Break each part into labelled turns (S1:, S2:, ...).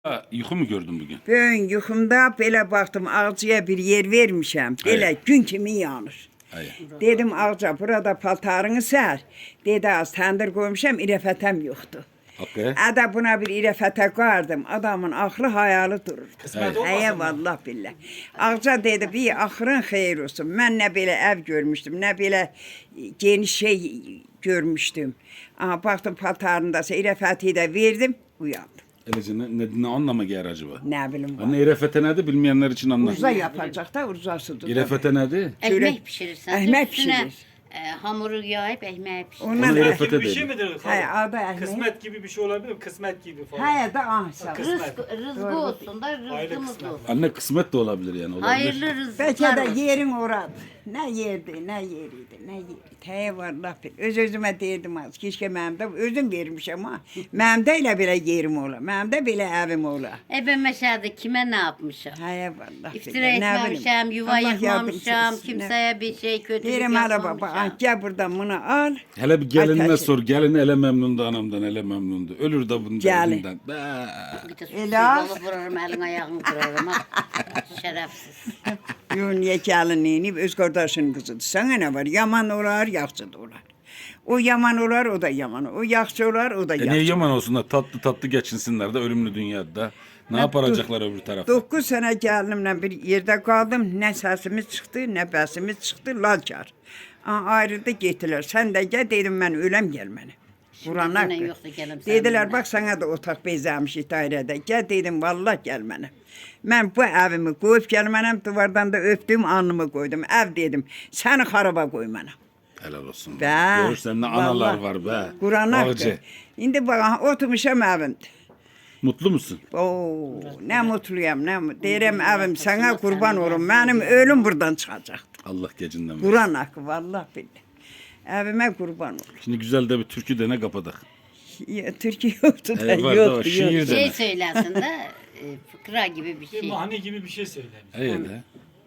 S1: Ha, yuxu mu gördün bugün?
S2: Bugün yuxumda belə baxdım, ağacıya bir yer vermişəm. Belə
S1: Hayır.
S2: gün kimi yanır.
S1: Hayır.
S2: Dedim ağaca, burada paltarını sər. Dedi az təndir qoymuşam, irəfətəm yoxdur.
S1: Hakkı.
S2: Ədə buna bir irəfətə qoyardım. Adamın axlı hayalı durur.
S3: Kısmet
S2: Həyə
S3: olmasın mı?
S2: vallah billah. Ağca dedi, bir axırın xeyir olsun. Mən nə belə ev görmüşdüm, nə belə geniş şey görmüşdüm. Aha, baxdım paltarındasa irəfəti də verdim, uyandım.
S1: Elece ne anlama gelir acaba?
S2: Nə bilim var.
S1: Anne irefete nedir bilmeyenler için anlat.
S2: Urza yapacaq da urzasıdır.
S1: İrefete nedir?
S4: Ekmek pişirirsen.
S2: Ekmek
S4: üstüne,
S2: pişirir.
S4: hamuru yağıp ekmeği pişirir.
S1: Onu
S2: Ondan
S1: irefete
S3: Gibi bir şey
S1: dedi.
S3: midir?
S2: Hayır, adı ekmek.
S3: Kısmet gibi bir şey olabilir mi? Kısmet gibi falan.
S2: Hayır da ahsa.
S3: Kısmet.
S4: Rızkı olsun da
S3: Aile
S4: rızkımız
S3: kısmet.
S4: olsun.
S1: Anne kısmet de olabilir yani. Olabilir.
S4: Hayırlı
S2: Bəlkə
S4: rızıklar
S2: də
S4: olsun.
S2: yerin oradı. Nə yerdi, nə yeriydi, nə yeriydi. Təyə var laf bil. Öz-özümə deyirdim az. Keşke mənim də özüm vermişəm ha. Mənim də elə belə yerim ola. Mənim də belə evim ola.
S4: Ben meşede kime ne yapmışım?
S2: Həyə var laf bil.
S4: İftira etmemişim, yuva yıkmamışım, kimseye bir şey kötülük
S2: Deyirəm hələ baba,
S4: yapmamışım.
S2: gel buradan bunu al.
S1: Hele bir gelinine
S2: Ateşi.
S1: sor. Gelin ele memnundu anamdan, ele memnundu. Ölür de bunun
S2: Gelin.
S1: derdinden. Be.
S4: Bir de
S2: Ela.
S4: susuz vurarım, elin ayağını kırarım. ha. Şerefsiz.
S2: Yo, niyə gəlinliyini öz qardaşının qızıdır. Sənə nə var? Yaman olar, yaxşı da olar. O yaman olar, o da yaman. O yaxşı olar, o da
S1: Ne
S2: yaxşı.
S1: yaman olsunlar tatlı tatlı geçinsinler de ölümlü dünyada. Ne yaparacaklar öbür tarafta?
S2: 9 sənə gəlinimlə bir yerdə qaldım. Nə səsimiz çıxdı, nə bəsimiz çıxdı, lalkar. Ayrıldı getdilər. Sən də gəl, dedim mən öləm gəl mənə. Quran
S4: Yine
S2: haqqı.
S4: yoktu gelim
S2: Dedilər, bax sənə də otaq bezəmişik dairədə. Gəl dedim, vallah gəl mənə. Mən bu evimi qoyub gəlmənəm, divardan da öpdüm, alnımı qoydum. Ev dedim, səni xaraba qoy mənə.
S1: Helal olsun.
S2: Bə,
S1: Görürsen ne analar var be.
S2: Quran haqqı.
S1: Ağacı.
S2: İndi bax, oturmuşam evimdə.
S1: Mutlu musun?
S2: Oo, nə mutluyam, nə deyirəm evim sənə qurban olum. Mənim ölüm buradan çıxacaqdı.
S1: Allah gecinden versin.
S2: Quran haqqı, vallah billah. Evimə qurban olum.
S1: Şimdi güzel de bir türkü dene kapadık.
S2: Ya, Türkiye yoktu da,
S1: Var da o
S2: yoktu,
S1: şiir
S2: yoktu.
S1: de.
S4: Şey söylesin de fıkra gibi bir
S3: Bir
S4: şey.
S3: mani gibi bir şey söylemiş.
S1: Evet de.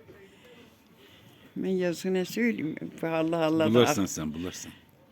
S2: Ben yazına söyleyeyim. Allah Allah.
S1: Bularsan sen bularsan.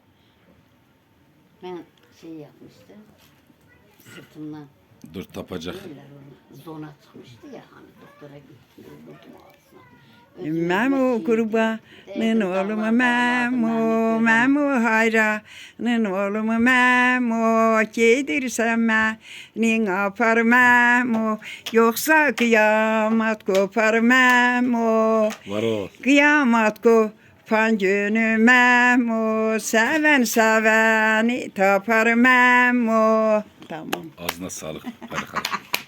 S4: Ben şey yapmıştım. Sırtımdan
S1: Dur tapacak.
S4: şeyler onu zona çıkmıştı ya hani doktora gittim. Vurdum ağzına.
S2: Memo kurbanın oğlumu Memo, Memo hayranın oğlumu Memo, gedirsen benim apar Memo, yoksa kıyamet kopar Memo,
S1: Var o.
S2: kıyamet kopan günü Memo, seven seveni tapar Memo. Tamam.
S1: Ağzına sağlık. Hadi hadi.